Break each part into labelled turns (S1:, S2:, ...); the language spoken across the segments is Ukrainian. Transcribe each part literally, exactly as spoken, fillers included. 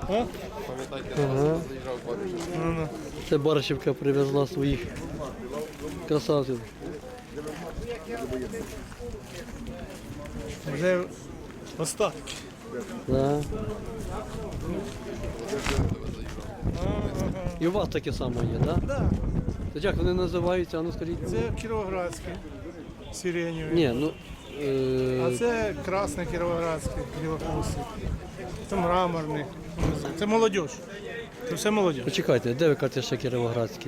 S1: А?
S2: Ага.
S1: Ну, ну.
S2: Це Баришівка привезла своїх красавців.
S1: Вже остатки.
S2: Да. І у вас таке саме є, так? Да?
S1: Да.
S2: То як вони називаються, а ну скажіть?
S1: Це кіровоградський, сиреневий.
S2: Ні, ну... Е...
S1: А це красний кіровоградський, білохвостий. Це мраморний. Це молодь. Це все молодь.
S2: Почекайте, де ви кажете ще Кіровоградський?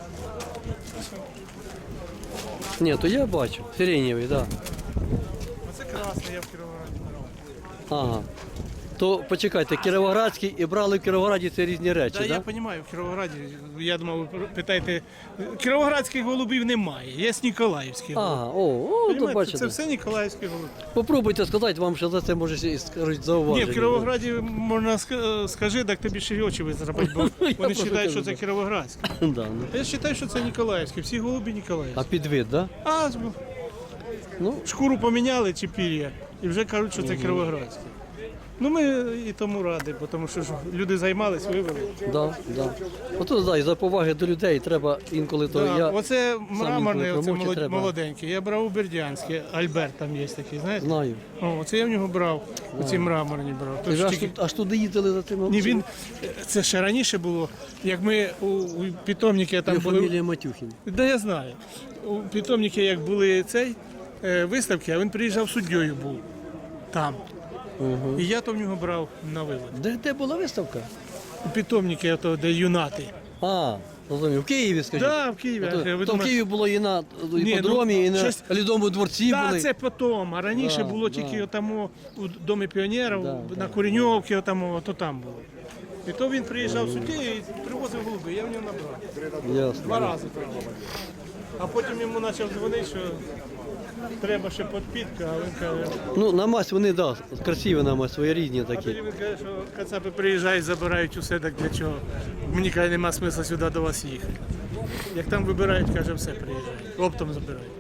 S2: Ні, то я бачу. Сиренєвий, так. Да.
S1: Оце красний, я в Кіровограді брав.
S2: Ага. То почекайте, Кіровоградський і брали в Кіровограді це різні речі,
S1: Так,
S2: так?
S1: я розумію, в Кіровограді, я думав, ви питаєте, кіровоградських голубів немає, є Ніколаївські голуби.
S2: Ага, о, о, то
S1: Понімаєте,
S2: бачите.
S1: це все Ніколаївські голуби.
S2: Попробуйте сказати, вам ще за це може і скажуть
S1: Ні,
S2: зауваження.
S1: в Кіровограді можна ска- скажи, так тобі ще й очі визрапать, бо вони
S2: просто
S1: вважають, що
S2: кажу,
S1: це
S2: да.
S1: Кіровоградські.
S2: Да, ну.
S1: Я вважаю, що це Ніколаївські, всі голуби
S2: А
S1: Ніколаївські.
S2: підвид, так? Да?
S1: А
S2: Ну,
S1: шкуру поміняли чи пір'я, і вже кажуть, що це Кіровоградські. Ну ми і тому раді, бо тому що ж люди займались, вивели.
S2: да, да. Ото, да, і за поваги до людей треба інколи то
S1: Да,
S2: я...
S1: оце мраморний,
S2: інколи
S1: оце
S2: промовчу
S1: молод-
S2: треба.
S1: молоденький. Я брав у Бердянське, Альберт там є такий, знаєте?
S2: Знаю.
S1: О, оце я в нього брав, оці мраморні брав.
S2: Ви
S1: Тож
S2: ж аж,
S1: тільки-
S2: тут, аж туди їздили за тим?
S1: Ні, він, це ще раніше було, як ми у, у питомнику там
S2: Його
S1: були.
S2: фамілія Матюхін.
S1: Да, я знаю. У питомнику, як були цей, е, виставки, а він приїжджав суддєю був там.
S2: Угу.
S1: І я то в нього брав на вивод.
S2: Де, де була виставка?
S1: У питомнику, ото, де юнати.
S2: А, розумію, в Києві, скажіть.
S1: Да, в Києві.
S2: То,
S1: Ви
S2: то в
S1: думаєте-
S2: Києві було і на
S1: Ні,
S2: іпподромі,
S1: ну,
S2: і на
S1: щось-
S2: Лідовому дворці
S1: Так,
S2: були.
S1: це потім, а раніше
S2: Да,
S1: було
S2: да.
S1: тільки отамо у Домі піонерів,
S2: Да,
S1: на
S2: да.
S1: Куреньовці, отамо, то там було. І то він приїжджав судді і привозив голуби, я в нього набрав.
S2: Ясно.
S1: Два рази привозив. А потім йому почав дзвонити, що треба ще підпітка, а він каже,
S2: Ну, на мазь вони, да, красиві на мазь, своєрідні
S1: а
S2: такі.
S1: тоді він каже, що кацапи приїжджають, забирають усе, так для чого? Мені каже, нема смисла сюди до вас їхати. Як там вибирають, каже, все приїжджають, оптом забирають.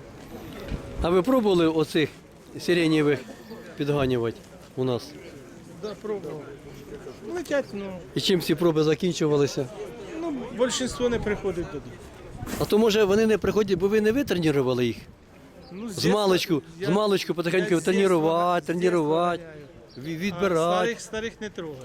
S2: А ви пробували оцих сиренєвих підганювати у нас?
S1: Да, пробував. Летять, ну,
S2: І чим всі проби закінчувалися?
S1: ну, більшість не приходить туди.
S2: А то може вони не приходять, бо ви не витренували їх?
S1: Ну,
S2: З маличку, з маличку потихеньку тренувати, тренувати, ві- відбирати.
S1: Старих, старих не трогаю.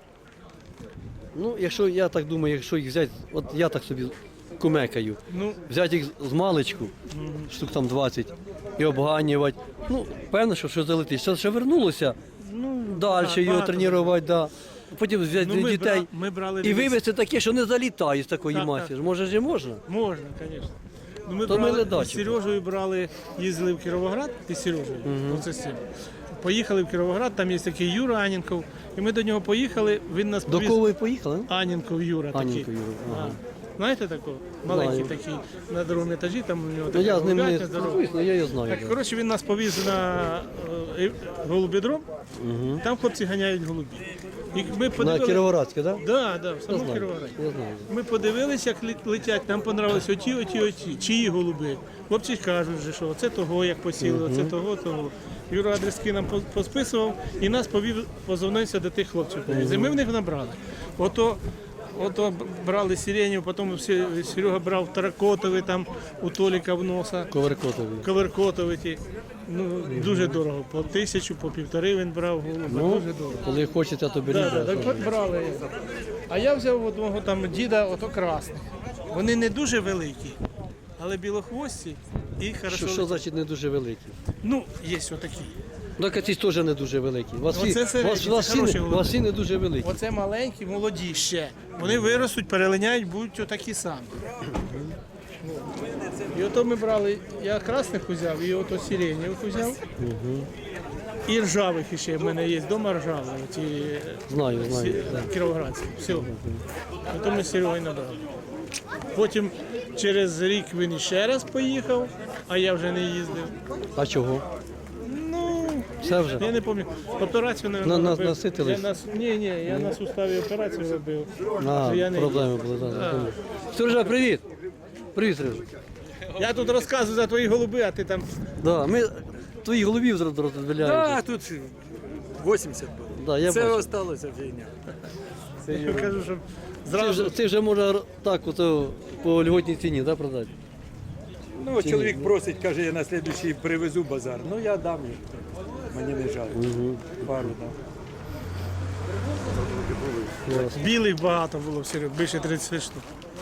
S2: Ну, якщо я так думаю, якщо їх взяти, от я так собі кумекаю,
S1: Ну,
S2: взяти їх з маличку, штук там двадцять, і обганювати, ну, певно, що щось залетить. Що ще вернулося,
S1: ну
S2: далі його
S1: багато.
S2: тренувати, да. Потім взяти
S1: Ну, ми
S2: дітей
S1: бра- ми брали
S2: і
S1: дивись.
S2: вивезти таке, що не залітає з такої
S1: Так,
S2: масі.
S1: так.
S2: Може ж і можна?
S1: Можна, звісно. Ну, ми
S2: То ми
S1: брали,
S2: ледачі.
S1: з Сережею брали, їздили в Кіровоград із Сережею, оце з цим. Поїхали в Кіровоград, там є такий Юра Анінков, і ми до нього поїхали, він нас
S2: До
S1: повіз.
S2: кого ви поїхали?
S1: Анінков Юра
S2: Анінков
S1: такий.
S2: Юра, ага.
S1: А, знаєте такого? Маленький
S2: Знаю.
S1: такий, на другому етажі, там у нього
S2: Ну,
S1: така
S2: я з ним не
S1: голубятня здорова.
S2: спілкуюсь, але я його знаю.
S1: Так,
S2: да.
S1: коротше, він нас повіз на е, голубідром, там хлопці ганяють голубі. І ми
S2: На
S1: подивилися.
S2: Кіровоградське, так? Да?
S1: Да, да, в
S2: Я
S1: самому
S2: знаю,
S1: Кіровограді.
S2: я знаю.
S1: Ми подивилися, як лет- летять, нам понравились оті, оті, оті, чиї голуби. Хлопці кажуть, вже, що це того, як посіли, оце того, того. Юра адрески нам по- посписував і нас повів, позвонився до тих хлопців. повіз. І ми в них набрали. Ото, ото брали сиренів, потім всі- Серега брав таракотовий там у Толіка в носа,
S2: Коверкотові.
S1: коверкотовий ті. Ну, дуже дорого. По тисячу, по півтори він брав голуба,
S2: Ну,
S1: дуже дорого.
S2: коли хочете, то беріть.
S1: Да, да,
S2: да,
S1: так
S2: що
S1: от брали. А я взяв одного там діда, ото красних. Вони не дуже великі, але білохвості і хорошо.
S2: Що, що значить не дуже великі?
S1: Ну, є отакі.
S2: Ну, ці теж не дуже великі. У вас,
S1: Оце
S2: всі,
S1: середні,
S2: вас,
S1: це
S2: вас, всі,
S1: хороші
S2: не-
S1: голуби.
S2: вас всі не дуже великі.
S1: Оце маленькі, молоді ще. Вони виростуть, перелиняють, будуть отакі самі. І ото ми брали, я красних узяв, і ото сиренєвих узяв. І ржавих ще в мене є вдома ржаві, ті
S2: Знаю, знаю.
S1: Сі- Кіровоградські. Все. Потім ми з Серегою набрали. Потім через рік він ще раз поїхав, а я вже не їздив.
S2: А чого?
S1: Ну,
S2: Все вже?
S1: я не пам'ятаю. Операцію не
S2: На- на-
S1: робив.
S2: наситились?
S1: Я на, ні, ні, я на суставі операцію робив.
S2: А,
S1: то я не
S2: проблеми
S1: їздив.
S2: були. Да,
S1: Да.
S2: да. Сережа, привіт. Привіт, Сережа.
S1: Я тут розказую за твої голуби, а ти там.
S2: Да, ми твоїх голубів зараз розбіляємо.
S3: Да, тут восемьдесят было.
S2: да, я
S3: Це
S2: бачу.
S3: осталося фігня.
S1: Я кажу, що
S2: Це
S1: зразу
S2: вже, це вже можна так, ото, по льготній ціні, да, продати?
S3: Ну, чоловік просить, каже, я на слідуючий привезу базар. Ну, я дам їм. Мені не жаль. Пару дам.
S1: білих багато було в Серег, більше тридцять штук.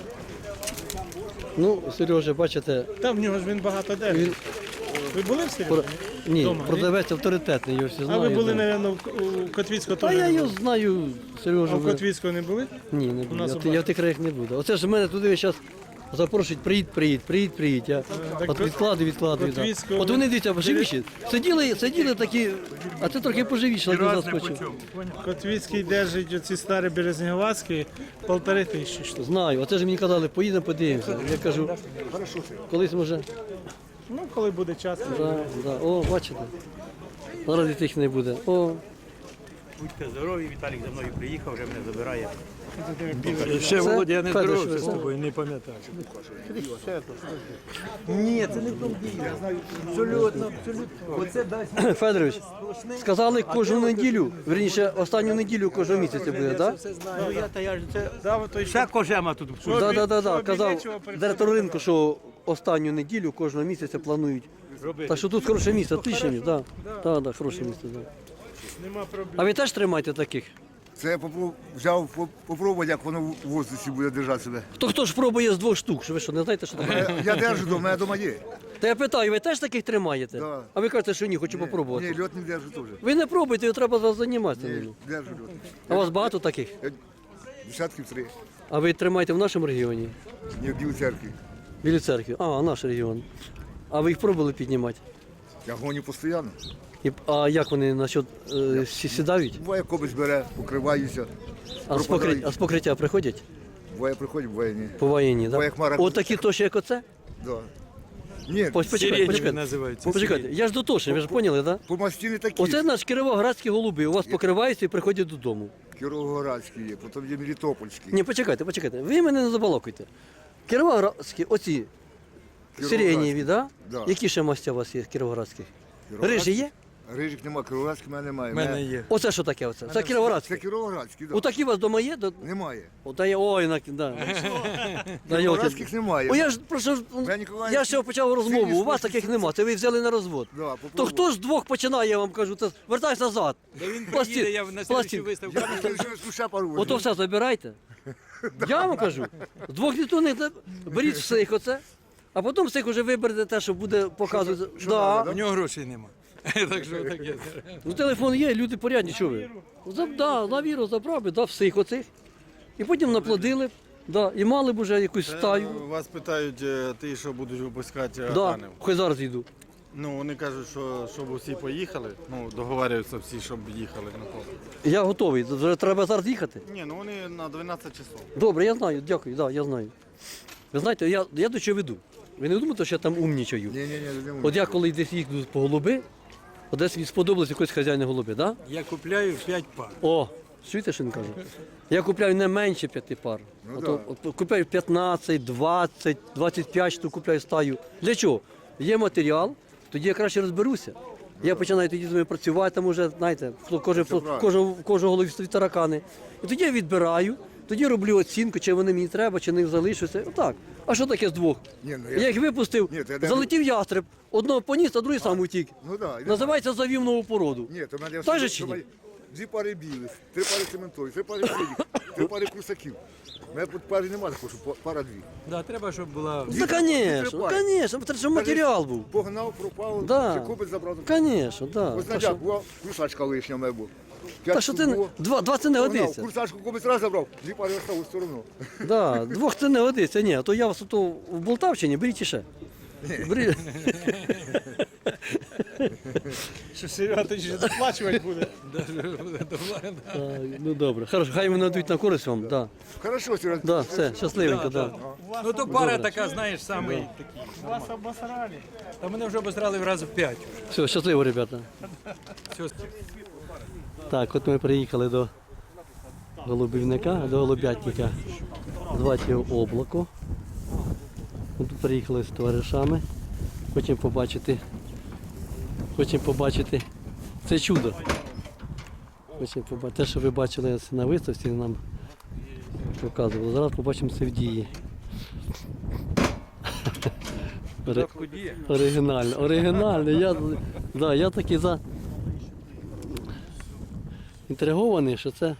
S2: Ну, Сережа, бачите,
S1: Там в нього ж він багато де.
S2: він
S1: Ви були в Серегі?
S2: про... ні,
S1: Дома, ні?
S2: продавець авторитетний, його всі
S1: А
S2: знають.
S1: ви були,
S2: да.
S1: мабуть, у Котвіцького
S2: Та
S1: теж?
S2: я
S1: не
S2: його
S1: були?
S2: знаю, Сережа.
S1: А в
S2: ви-
S1: Котвіцького не були?
S2: Ні, не буду.
S1: нас
S2: Я,
S1: у
S2: в- я в тих краях не буду. Оце ж мене туди зараз запрошують, приїдь, приїдь, приїдь, приїдь. Я
S1: так
S2: от
S1: ви-
S2: відкладую, відкладую. Да.
S1: Котвіцького-
S2: От вони дивіться, поживіші. Сиділи, сиділи такі, а це трохи поживіші, але заскочив.
S1: Котвіцький держить оці старі березнеговацькі полтори тисячі штук.
S2: Знаю, оце ж мені казали, поїдемо, подивимося. Я кажу, колись може.
S1: Ну, коли буде час.
S2: Да, да. О, бачите. Зараз і тих не буде. О,
S4: Будьте здорові, Віталік за мною приїхав, вже мене забирає.
S3: Ще,
S2: Це
S3: Володя, я не
S2: Федор,
S3: здоровався з
S2: що ви?
S3: тобою, не пам'ятаю.
S4: Ні, це не в тому діло. Абсолютно, абсолютно. Оце дасть
S2: Федорович, сказали кожну неділю, верніше, останню неділю кожного місяця буде, так?
S3: Все знаю.
S4: Ну, я, та я ж це...
S1: Да, от той,
S4: Ще кожема тут.
S1: Що
S2: Так,
S1: обі-
S2: так, так,
S1: що
S2: так. Казав
S1: обідечого перед
S2: директор ринку, що останню неділю кожного місяця планують. Так що тут хороше місце, отличне місце, так. Так, так, хороше місце, так.
S1: Нема проблем.
S2: А ви теж тримаєте таких?
S5: Це я попро- взяв по- попробувати, як воно в воздусі буде держати себе.
S2: То хто ж пробує з двох штук? Що ви що, не знаєте, що таке?
S5: Я, я держу вдома, я вдома є.
S2: Та я питаю, ви теж таких тримаєте?
S5: Да.
S2: А ви кажете, що ні, хочу попробувати.
S5: Ні, льот не держу теж.
S2: Ви не пробуйте, треба вас займатися.
S5: Ні,
S2: ним.
S5: держу льот.
S2: А у вас багато таких?
S5: Я десятків три.
S2: А ви тримаєте в нашому регіоні?
S5: Ні, в Білій церкві.
S2: Білі церкві. А, наш регіон. А ви їх пробували піднімати?
S5: Я гоню постійно.
S2: І, а як вони насчет е, всі сідають?
S5: Буває кобець бере, покриваюся.
S2: А з, покриття, а з покриття приходять?
S5: Буває приходять, буває ні.
S2: По воєнні,
S5: Буває
S2: так?
S5: хмара.
S2: От такі тоші, як оце?
S5: Да. Ні,
S2: Ось почекайте,
S3: Сирені
S2: почекайте.
S3: називаються.
S2: Почекайте, я ж дотошний, ви ж поняли, так? Да?
S5: по мастіни такі.
S2: Оце наш кіровоградські голуби. У вас покриваються і приходять додому.
S5: Кіровоградські є, потім є Мелітопольські.
S2: Ні, почекайте, почекайте. Ви мене не забалакуйте. Кіровоградські, оці
S5: Кіровоградські.
S2: сиренєві, да?
S5: Да.
S2: Які ще мастя у вас є кіровоградських?
S5: Кіровоградські.
S2: Рижі є?
S5: Рижик нема, кіровоградських в мене немає.
S3: У мене є.
S2: Оце що таке? Оце? Це
S5: Це
S2: кіровоградські.
S5: кіровоградські, так.
S2: Отакі у вас вдома є? До-
S5: Немає.
S2: Ота є, ой, на, да. Да,
S5: Кіровоградських немає.
S2: О, я ж прошу,
S5: Я Ніколаївський-
S2: я ще почав розмову.
S5: Синій
S2: У вас
S5: спосіб-
S2: таких нема. Це ви взяли на розвод.
S5: Да,
S2: То
S5: попробуй.
S2: хто ж двох починає, я вам кажу, це вертайся назад.
S3: Да він
S2: Пластин-
S3: приїде, я на слідчу
S2: пластин.
S3: виставку.
S5: Я не знаю, що ще пару
S2: Ото все забирайте. Я вам кажу. З двох ніхто не беріть всіх оце, а потім всіх вже виберете те, що буде показувати.
S5: що
S2: Да.
S5: надо,
S3: У нього грошей нема. Так що таке.
S2: Ну телефон є, люди порядні, що ви? За, да, на віру забрав би, да, всіх оцих. І потім наплодили, да, і мали б уже якусь стаю.
S6: Вас питають, е, ти що будуть випускати
S2: Да,
S6: аганів.
S2: хай зараз йду.
S6: Ну вони кажуть, що щоб усі поїхали. Ну договорюються всі, щоб їхали на поле.
S2: Я готовий, вже треба зараз їхати.
S6: Ні, ну вони на дванадцять часов.
S2: Добре, я знаю, дякую, да, я знаю. Ви знаєте, я, я до чого веду. Ви не думаєте, що я там умнічаю?
S5: Ні, ні, ні, не можу.
S2: От я коли десь їду по голуби, от десь мені сподобалось якось хазяїна голуби, да?
S3: Я купляю п'ять пар.
S2: О, чуєте, що він каже? Я купляю не менше п'яти пар.
S5: Ну
S2: Ото, от купляю п'ятнадцять, двадцять, двадцять п'ять штук купляю стаю. Для чого? Є матеріал, тоді я краще розберуся. Я починаю тоді з ними працювати, там уже, знаєте, кожен,
S5: правильно.
S2: кожен, кожен голові стоїть таракани. І тоді я відбираю, тоді роблю оцінку, чи вони мені треба, чи не залишаться. Отак. А що таке з двох?
S5: Ні, ну,
S2: Я
S5: я...
S2: їх випустив,
S5: Ні, то я не-
S2: залетів ястреб, одного поніс, а другий сам утік.
S5: Ну да. я-
S2: Називається завів нову породу.
S5: Ні, то в мене
S2: Так же
S5: все-
S2: чи ні?
S5: то дві пари білих, три пари цементових, три пари синіх, три пари крусаків. У мене тут пари немає, такого, що па- пара дві.
S3: Да, треба, щоб була.
S2: Ну,
S5: Дві-
S2: звісно,
S5: дві пари.
S2: звісно, треба, щоб матеріал був.
S5: Погнав, пропав,
S2: Да.
S5: чи купить забрав.
S2: Звісно, да.
S5: Ось
S2: Та
S5: на
S2: що-
S5: дяк була крусачка лишня в мене була.
S2: Та що ти не- два, два це не годиться.
S5: Курсачку купить раз забрав, дві пари осталось все одно.
S2: Да, двох це не годиться. Ні, а то я вас ото в Болтавщині, беріть іще. Бери.
S1: Що Серега, ти ще доплачувати буде.
S2: Так, ну добре. Хорошо, хай мене дадуть на користь вам. Да.
S5: Хорошо, Серега.
S2: Да, все, щасливенько, да.
S3: Ну то пара така, знаєш, самий такий.
S1: Вас обосрали.
S3: Та мене вже обосрали в раз в п'ять.
S2: Все, щасливо, ребята.
S3: Все.
S2: Так, от ми приїхали до голубівника, до голубятника. Звати його Облако. Ми тут приїхали з товаришами. Хочемо побачити. Хочемо побачити це чудо. Хоче побачити. Те, що ви бачили на виставці, нам показували. Зараз побачимо це в дії. Ори- Оригінально, оригінально. Я, да, я такий за... інтригований, що це.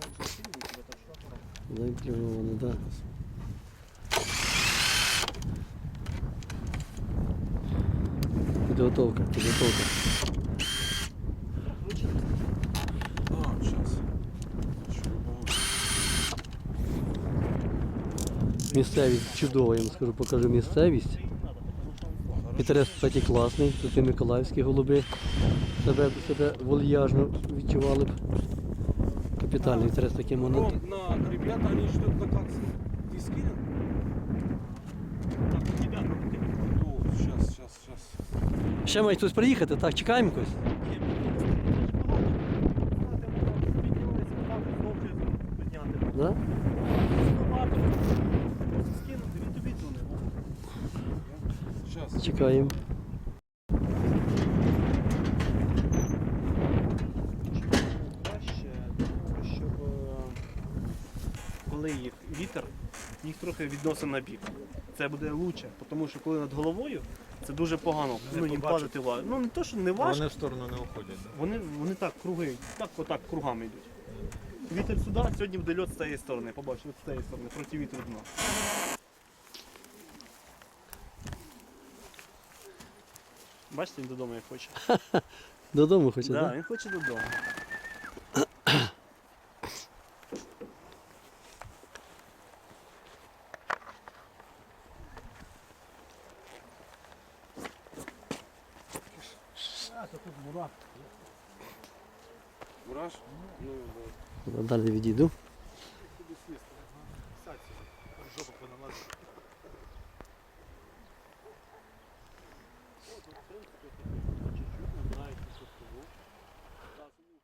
S2: Заінтригований, так. Да. Підготовка, підготовка. Місцевість чудова, я вам скажу, покажу місцевість. Інтерес, кстати, класний. Тут і миколаївські голуби себе, себе вольяжно відчували б. Капітальний інтерес такий монет.
S7: На ребята, они ждут на как ты скинул? Так, тебя ну, сейчас, сейчас, сейчас.
S2: Ще має хтось приїхати, так, чекаємо когось. Да?
S7: Сейчас.
S2: Чекаємо.
S8: Краще, щоб е, коли їх вітер, їх трохи відносить на бік. Це буде лучше, тому що коли над головою, це дуже погано. Ну, їм падати важко. Ну не то, що не важко,
S6: Вони в сторону не уходять.
S8: вони, вони так круги, так отак кругами йдуть. Вітер сюди, сьогодні буде льот з цієї сторони, побачиш, от з цієї сторони, проти вітру дна. Бачите, він додому як хоче.
S2: Додому хоче,
S8: Так,
S2: так?
S8: да, він хоче додому.
S7: Мураш? Ну, да.
S2: Да? Далі відійду.
S7: Жопу понамазать.